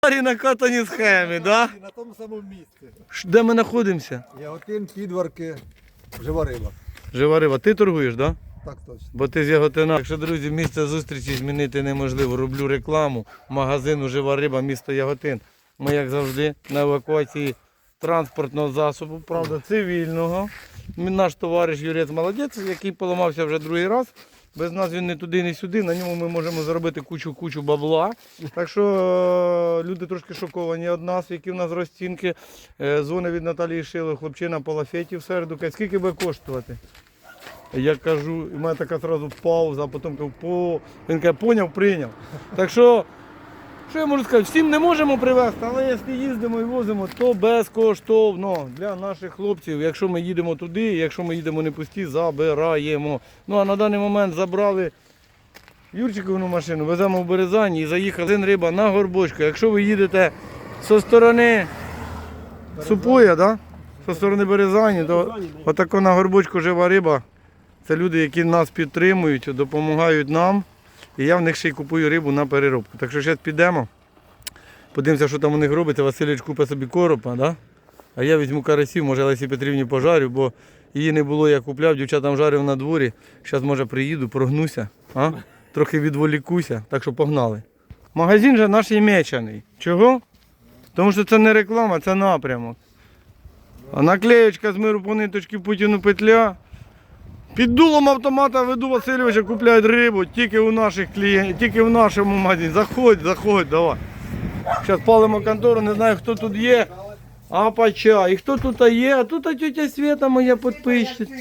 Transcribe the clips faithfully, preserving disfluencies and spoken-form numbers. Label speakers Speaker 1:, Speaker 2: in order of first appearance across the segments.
Speaker 1: старій накатані схеми, да?
Speaker 2: На тому самому місці.
Speaker 1: Де ми знаходимося?
Speaker 2: Яготин, Підварки, Жива риба.
Speaker 1: Жива риба, ти торгуєш, да?
Speaker 2: Так точно.
Speaker 1: Бо ти з Яготина. Якщо, друзі, місце зустрічі змінити неможливо. Роблю рекламу магазину Жива риба, місто Яготин. Ми, як завжди, на евакуації транспортного засобу, правда, цивільного. Наш товариш Юрець молодець, який поламався вже другий раз. Без нас він не туди, не сюди, на ньому ми можемо заробити кучу-кучу бабла. Так що е, люди трошки шоковані від нас, які в нас розцінки. Е, дзвони від Наталії Шило, хлопчина по лафеті в середу. Каже, скільки буде коштувати? Я кажу, і в мене така одразу пауза, а потім кажу, по... він каже, поняв, прийняв. Так що, що я можу сказати, всім не можемо привезти, але якщо їздимо і возимо, то безкоштовно для наших хлопців. Якщо ми їдемо туди, якщо ми їдемо не пусті, забираємо. Ну а на даний момент забрали Юрчиковну машину, веземо в Березані і заїхали один риба на Горбочку. Якщо ви їдете зі сторони Супоя, да? Зі сторони Березані, то отако на Горбочку Жива риба. Це люди, які нас підтримують, допомагають нам. І я в них ще й купую рибу на переробку. Так що зараз підемо, подивимося, що там у них робиться. Васильович купить собі коропа, да? А я візьму карасів, може Лесі Петрівні пожарю, бо її не було, я купляв, дівчатам жарив на дворі. Зараз, може, приїду, прогнуся, а? Трохи відволікуся, так що погнали. Магазин же наш ємечаний. Чого? Тому що це не реклама, це напрямок. А наклеєчка з миру по ниточки Путіну петля. Під дулом автомата веду Васильовича, купляють рибу тільки у наших клієнтів, тільки в нашому магазині. Заходь, заходь, давай. Зараз палимо контору, не знаю, хто тут є. А поча. І хто тут є? А тут тетя Свята моя підписчиця.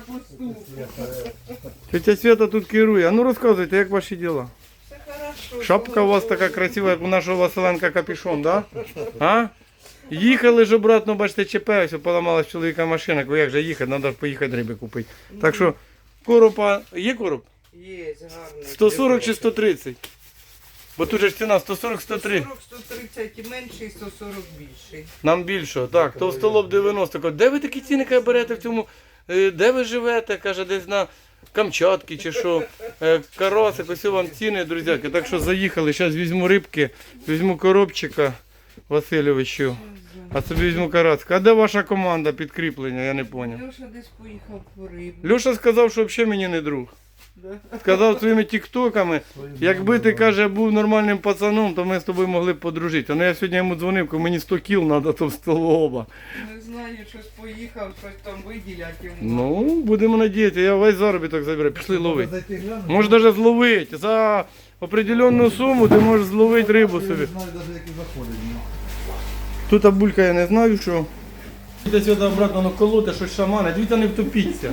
Speaker 1: Тетя Свята тут керує. А ну розказуйте, як ваші діла? Шапка у вас така красива, як у нашого Василенка капюшон, да? А? Їхали ж обратно, бачите, ЧП, ось поламалась чоловіка машина, як же їхати, треба поїхати риби купити. Так що, коропа, є короб?
Speaker 3: Є, гарний.
Speaker 1: сто сорок чи сто тридцять? Бо тут же ж ціна сто сорок - сто три.
Speaker 3: сто сорок - сто тридцять і менший, сто сорок більший.
Speaker 1: Нам більше, так, товстолоб дев'яносто. Кажу, де ви такі ціни каже, берете в цьому, е, де ви живете, каже, десь на Камчатці чи що, Е, карасик, ось вам ціни, друзяки. Так що заїхали, зараз візьму рибки, візьму коробчика Васильовичу. А собі візьму карацька. А де ваша команда підкріплення, я не зрозумів.
Speaker 3: Льоша десь поїхав по рибу.
Speaker 1: Льоша сказав, що взагалі мені не друг.
Speaker 3: Да.
Speaker 1: Сказав своїми тіктоками, якби ти, каже, був нормальним пацаном, то ми з тобою могли б подружити. Ну я сьогодні йому дзвонив, кажу, мені сто кіл треба товстолоба.
Speaker 3: Не знаю, щось поїхав, щось там виділять йому.
Speaker 1: Ну, будемо надіятися, я весь заробіток заберу, пішли ловити. Можеш навіть зловити. За определенну суму ти можеш зловити рибу собі.
Speaker 2: Я не знаю навіть, які заходять.
Speaker 1: Тут булька я не знаю, що. Десь сюди обратно на колоти, щось шамане, дивіться, не втопіться.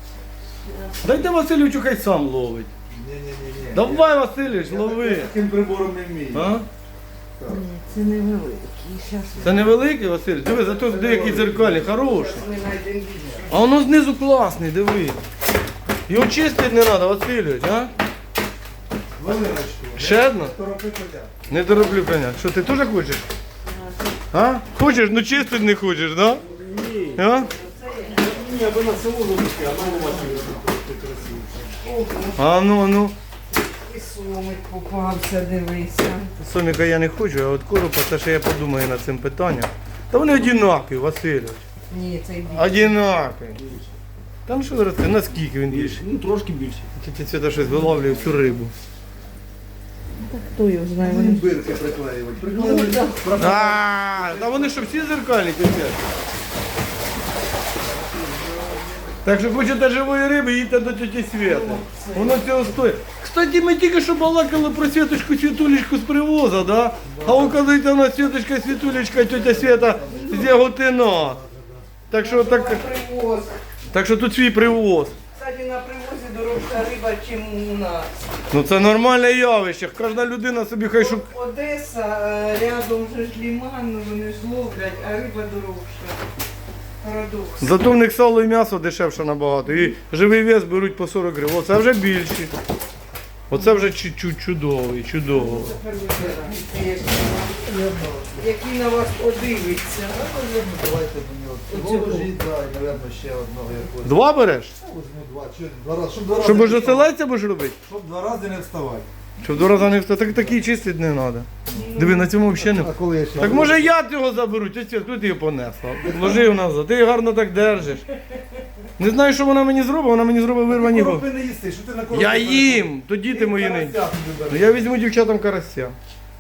Speaker 1: Дайте Васильовичу, хай сам ловить.
Speaker 2: Ні-ні-ні.
Speaker 1: Давай, Васильович, лови.
Speaker 2: Таким прибором не вмію.
Speaker 1: А?
Speaker 3: Ні, це невеликий. Щас
Speaker 1: Це невеликий, Васильович? Диви, зато деякі дзеркалі, хороші.
Speaker 3: ми знайдемо більше.
Speaker 1: А воно знизу класний, диви. Його чистити не треба, Васильович, а?
Speaker 2: Хвилиночку.
Speaker 1: Ще одна?
Speaker 2: Торопи коня.
Speaker 1: Не тороплю коня. Що, ти теж хочеш? А? Хочеш, ну чистити не хочеш, да?
Speaker 2: Ні.
Speaker 1: А?
Speaker 2: Ні, аби на село випустити, а на машину красиво.
Speaker 1: А ну, ну.
Speaker 3: І сомик попався, дивися.
Speaker 1: Соміка я не хочу, а от коропа, це ще я подумаю над цим питанням. Та вони одинакові, Васильович.
Speaker 3: Ні, цей більший.
Speaker 1: Одинакові. Там що розкажи, наскільки він більше?
Speaker 2: Ну, трошки більше.
Speaker 1: Тільки Свята щось виловлює всю рибу.
Speaker 3: Хто його знає?
Speaker 2: Вони
Speaker 3: Вони
Speaker 2: бирки приклеювати. Приклеювати.
Speaker 1: А, та вони що всі зеркальні капець. Так що хочете живої риби, їдьте до тіті Свєти. Воно цього стоїть. Кстати, ми тільки що балакали про Світочку Світулечку з привоза, да? А оказується, у нас Світочка Світулечка, тітя Свєта з Яготина. Так що, так,
Speaker 3: привоз.
Speaker 1: так що тут свій привоз.
Speaker 3: Кстати, на привозі дорожча риба, ніж у нас.
Speaker 1: Ну це нормальне явище. Кожна людина собі хай шукає.
Speaker 3: Одеса, е, рядом же ж ліман, ну, вони ж ловлять, а риба дорожча. Парадокс.
Speaker 1: Зато в них сало і м'ясо дешевше набагато. І живий вес беруть по сорок гривень. Оце вже більші. Оце вже чуть-чуть чудовий, чудово.
Speaker 3: Який на вас подивиться.
Speaker 2: Давайте мені от цього жіть, да, і, мабуть, ще одного якогось.
Speaker 1: Два береш?
Speaker 2: Возьму два. Чи два рази, щоб два рази
Speaker 1: Щоб
Speaker 2: не
Speaker 1: уже
Speaker 2: вставати.
Speaker 1: селеця будеш робити?
Speaker 2: Щоб два рази не вставати.
Speaker 1: Щоб два рази не встати. Так такий чистити не треба. Диви, на цьому взагалі не.
Speaker 2: А коли я ще?
Speaker 1: Так може я його заберу, тетя, тут її понесла. Ложив назад, ти її гарно так держиш. Не знаю, що вона мені зробить, вона мені зробить вирвані губи.
Speaker 2: Коропи не їсти, що ти на коропи?
Speaker 1: Я їм, то діти мої не. Ну я візьму дівчатам карася.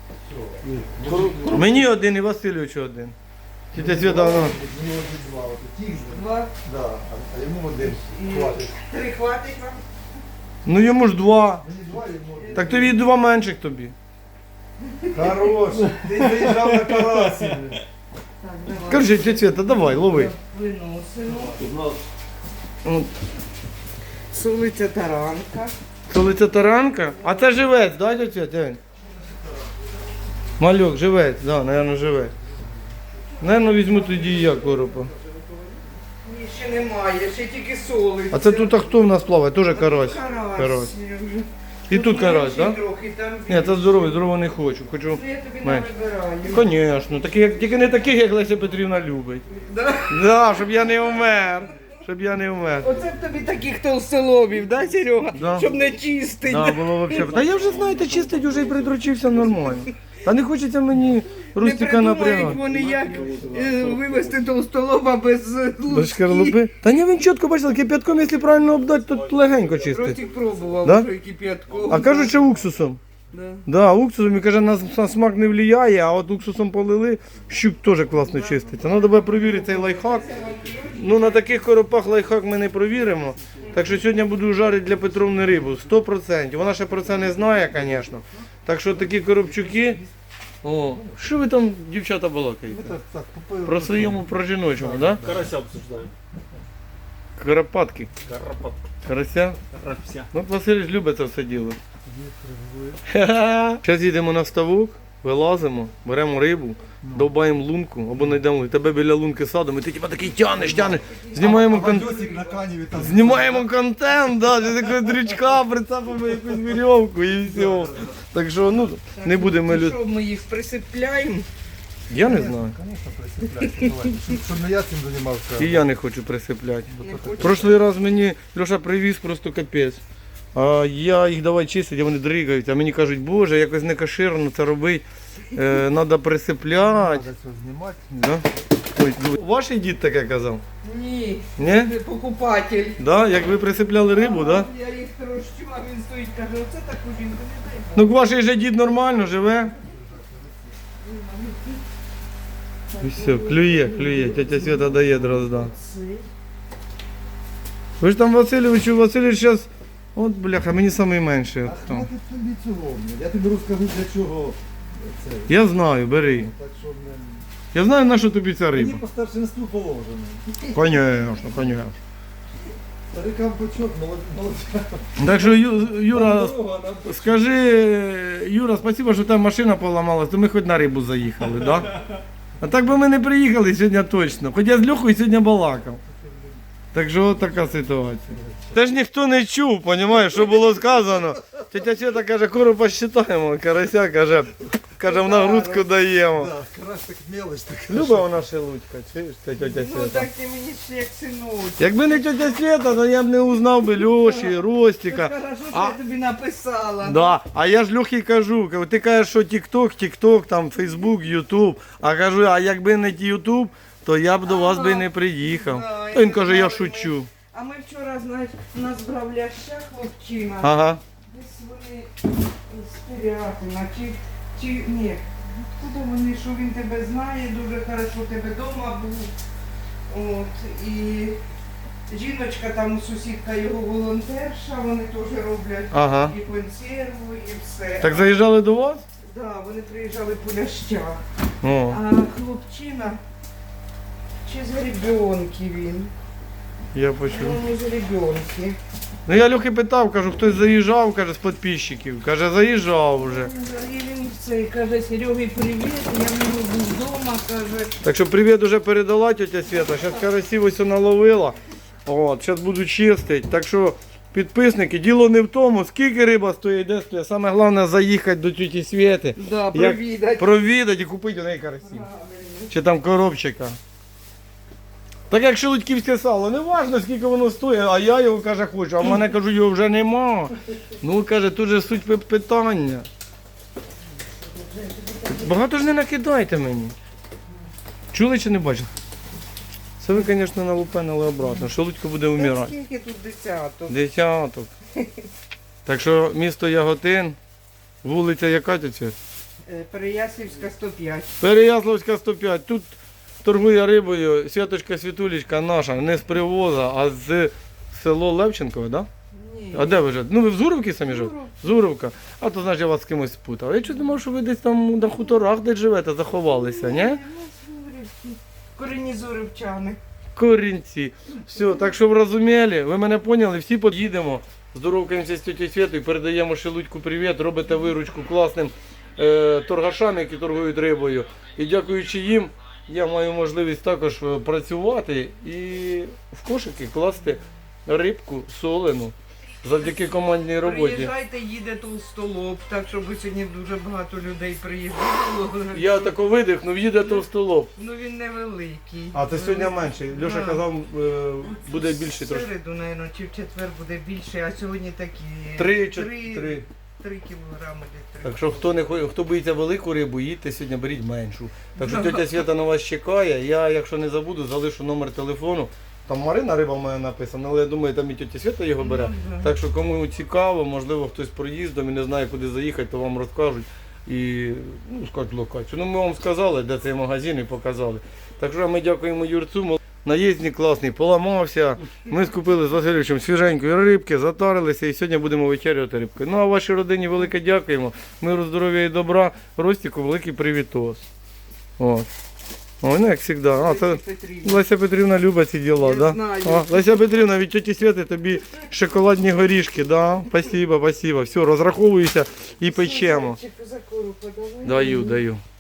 Speaker 1: Мені один і Васильовичу один. Тетя Свята, вона.
Speaker 3: Два.
Speaker 2: Да, а- а йому один.
Speaker 3: І
Speaker 2: Хватить.
Speaker 3: три хватить вам?
Speaker 1: Ну йому ж два.
Speaker 2: Мені два йому.
Speaker 1: Так тобі два менших тобі.
Speaker 2: Хорош, ти заїжджав на карасі.
Speaker 3: Так, давай.
Speaker 1: Короче, тетя Свята, давай, лови.
Speaker 3: Виносимо.
Speaker 1: От.
Speaker 3: Солиця таранка.
Speaker 1: Солиця таранка? А це живець, да, тетя? Тянь? Мальок, живець, да, наверное, живець. Наверно, візьму тоді і я коропа.
Speaker 3: Ні, ще немає, ще тільки солиця.
Speaker 1: А це тут а хто в нас плаває? Тоже карась.
Speaker 3: Карась.
Speaker 1: Карась. І тут карась, так? Да?
Speaker 3: Трохи, там
Speaker 1: Ні, це здоровий, здорового не хочу. Хочу
Speaker 3: Ну, я тобі
Speaker 1: менше.
Speaker 3: навибираю.
Speaker 1: Звісно, такі, як- тільки не таких, як Леся Петрівна любить.
Speaker 3: Да?
Speaker 1: Да, щоб я не вмер. Щоб я не вмер.
Speaker 3: Оце б тобі таких толстолобів, да, Серега?
Speaker 1: Да.
Speaker 3: Щоб не чистить.
Speaker 1: Да, було вообще. Та я вже, знаєте, чистить вже і придручився нормально. Та не хочеться мені
Speaker 3: Не
Speaker 1: Рустика
Speaker 3: придумають
Speaker 1: напрягати.
Speaker 3: вони, як е, вивезти толстолоба без е,
Speaker 1: Без
Speaker 3: лучки.
Speaker 1: шкарлупи? Та ні, він чітко бачив, кип'ятком, якщо правильно обдати, то легенько чистить.
Speaker 3: Ростик пробував
Speaker 1: Да?
Speaker 3: вже кип'ятком.
Speaker 1: А кажуть, що уксусом.
Speaker 3: Да.
Speaker 1: Да, уксусом, і каже, на, на смак не впливає, а от уксусом полили, щук теж класно чиститься. Треба буде перевірити цей лайфхак. Ну, на таких коропах лайфхак ми не провіримо. Так що сьогодні буду жарити для Петровни рибу. сто відсотків. Вона ще про це не знає, звісно. Так що такі коробчуки. О, що ви там, дівчата, балакаєте?
Speaker 2: Так, так, купив.
Speaker 1: Про своєму, про жіночому, так? Да?
Speaker 4: Карася обсуждаем.
Speaker 1: Карапатки.
Speaker 4: Карапат.
Speaker 1: Карася.
Speaker 4: Карася.
Speaker 1: Ну, Василь любить це все діло. Зараз їдемо на ставок, вилазимо, беремо рибу, довбаємо лунку, або знайдемо тебе біля лунки садом, і ти типа такий тянеш, тянеш, знімаємо контент.
Speaker 2: Бандьосик на каніві там.
Speaker 1: Знімаємо контент, да, ти такого дрючка, прицепимо якусь вірьовку і все. Так що, ну, не будемо
Speaker 3: Ну,
Speaker 1: люд...
Speaker 3: що, ми їх присипляємо?
Speaker 1: Я не знаю.
Speaker 2: Звісно, присипляйте, давай. Щоб, щоб не я цим займався.
Speaker 1: І я не хочу присипляти.
Speaker 3: Не хочу.
Speaker 1: Прошлий раз мені Льоша привіз просто капець. А я їх давай чистити, а вони дригають, а мені кажуть, боже, якось не каширно це робити, е, треба присипляти.
Speaker 2: Треба все знімати.
Speaker 1: Да? Ой, ваш дід таке казав?
Speaker 3: Ні,
Speaker 1: Ні?
Speaker 3: це покупатель.
Speaker 1: Да? Як ви присипляли рибу, да?
Speaker 3: Я їх трощу, а він стоїть, каже, оце таку жінку не дай.
Speaker 1: Ну ваш же дід нормально живе. І все, клює, клює, тетя Свята дає дрозда. Ви ж там Васильовичу, Васильович зараз, от бляха, мені найменший.
Speaker 2: А
Speaker 1: От там.
Speaker 2: хватить тобі цього. Я тобі розкажу, для чого це.
Speaker 1: Я знаю, бери.
Speaker 2: Так що не...
Speaker 1: Я знаю, на що тобі ця
Speaker 2: Мені
Speaker 1: риба.
Speaker 2: по старшинству положено.
Speaker 1: Конечно, конечно.
Speaker 2: Старикам почок, молодця.
Speaker 1: Так що, Ю- Юра,
Speaker 2: Дорога нам
Speaker 1: скажи, Юра, спасибо, що там машина поламалась, то ми хоч на рибу заїхали, да? А так би ми не приїхали сьогодні точно. Хоч я з Льохою сьогодні балакав. Так що от така ситуація. Теж ніхто не чув, розумієш, що було сказано. Тетя Свята каже, коропа считаємо, карася каже, каже, в нагрузку даємо.
Speaker 2: Да, карась так мелочь така.
Speaker 1: Люба вона шелудька, чуєш, це тетя
Speaker 3: Ну
Speaker 1: Свята.
Speaker 3: так ти мені ще як синочок.
Speaker 1: Якби не тетя Свята, то я б не узнав би Льоші, Ростіка.
Speaker 3: Хорошо, що
Speaker 1: А-
Speaker 3: я тобі написала.
Speaker 1: Да, а я ж Льохі кажу, кажу, ти кажеш, що Тік-Ток, Тік-Ток, там Фейсбук, Ютуб. А кажу, а якби не Ютуб, то я б до вас би не приїхав.
Speaker 3: Да,
Speaker 1: То він
Speaker 3: і
Speaker 1: каже, я
Speaker 3: брали
Speaker 1: шучу.
Speaker 3: А ми вчора, знаєш, у нас брав ляща хлопчина.
Speaker 1: Ага.
Speaker 3: Десь вони з Пирятина, чи, чи ні. Куди вони, що він тебе знає, дуже хорошо тебе вдома був. От, і жіночка там, сусідка його волонтерша, вони теж роблять
Speaker 1: Ага.
Speaker 3: і консерву, і все.
Speaker 1: Так заїжджали до вас?
Speaker 3: Да, вони приїжджали по лящах.
Speaker 1: О,
Speaker 3: А хлопчина, чи з гребенки він?
Speaker 1: я почув.
Speaker 3: Ну, не з гребенки.
Speaker 1: Ну я Льохи питав, кажу, хтось заїжджав, каже, з підписчиків. Каже, заїжджав вже.
Speaker 3: І він цей каже, Сереги, привіт, я в нього був вдома, каже.
Speaker 1: Так що привіт уже передала тетя Свята. Зараз карасів ось наловила. От, зараз буду чистити. Так що підписники, діло не в тому, скільки риба стоїть, де стоїть. Саме головне заїхати до тіті Світи.
Speaker 3: Да,
Speaker 1: Як
Speaker 3: провідати.
Speaker 1: провідати і купити у неї карасів. Чи там коробчика. Так як шелудьківське сало, не важно, скільки воно стоїть, а я його, каже, хочу, а в мене, кажу, його вже нема. Ну, каже, тут же суть пи- питання. Багато ж не накидайте мені. Чули чи не бачили? Це ви, звісно, налупенили обратно. Шелудько буде
Speaker 3: Та
Speaker 1: вмирати.
Speaker 3: скільки тут десяток?
Speaker 1: Десяток. Так що місто Яготин, вулиця яка тут?
Speaker 3: Е, Переяслівська сто п'ять.
Speaker 1: Переяславська сто п'ять. Тут торгує рибою Святочка Світулечка наша, не з привоза, а з село Левченкове, так? Да?
Speaker 3: Ні.
Speaker 1: А де ви живете? Ну ви в Зуровці самі живете?
Speaker 3: Зуров.
Speaker 1: Зуровка. А то значить я вас з кимось спутав. Я чого думав, що ви десь там на хуторах десь живете, заховалися, ні?
Speaker 3: Ні, у нас Зурівці. Корінні зуривчани.
Speaker 1: Корінці. Все, так що ви розуміли, ви мене поняли, всі поїдемо. Здоровкаємося з тітю Святою, передаємо Шелудьку привіт, робите виручку класним е, торгашам, які торгують рибою. І дякуючи їм, я маю можливість також е, працювати і в кошики класти рибку солену завдяки командній роботі.
Speaker 3: Приїжджайте, їде толстолоб, так щоб сьогодні дуже багато людей приїздило.
Speaker 1: Я тако видихнув, їде товстолоб.
Speaker 3: Ну він невеликий.
Speaker 1: А це сьогодні менше. Льоша
Speaker 3: Да.
Speaker 1: казав, е, буде більше
Speaker 3: В
Speaker 1: трошки.
Speaker 3: середу, мабуть, чи в четвер буде більше, а сьогодні такі
Speaker 1: Три, чи-
Speaker 3: три,
Speaker 1: три.
Speaker 3: три кілограми десь.
Speaker 1: Так що хто не хо- хто боїться велику рибу, їдьте сьогодні, беріть меншу. Так що тетя Свята на вас чекає. Я, якщо не забуду, залишу номер телефону. Там Марина риба в мене написана, але я думаю, там і тетя Свята його бере.
Speaker 3: Ну, да.
Speaker 1: Так що кому цікаво, можливо, хтось проїздом і не знає, куди заїхати, то вам розкажуть і ну, скажуть локацію. Ну ми вам сказали, де цей магазин і показали. Так що ми дякуємо Юрцю. Наїзник класний, поламався. Ми скупили з Васильовичем свіженької рибки, затарилися і сьогодні будемо вечеряти рибкою. Ну а вашій родині велике дякуємо. Миру, здоров'я і добра. Ростіку великий привітос. От. Ой, ну як завжди. А, це
Speaker 3: Петрівна.
Speaker 1: Леся Петрівна любить ці діла,
Speaker 3: Я
Speaker 1: да?
Speaker 3: знаю.
Speaker 1: А, Леся Петрівна, від тьоті Святи тобі шоколадні горішки, да? Спасибо, спасибо. Все, розраховуюся і печемо.
Speaker 3: Чи козакору подавай?
Speaker 1: Даю, даю.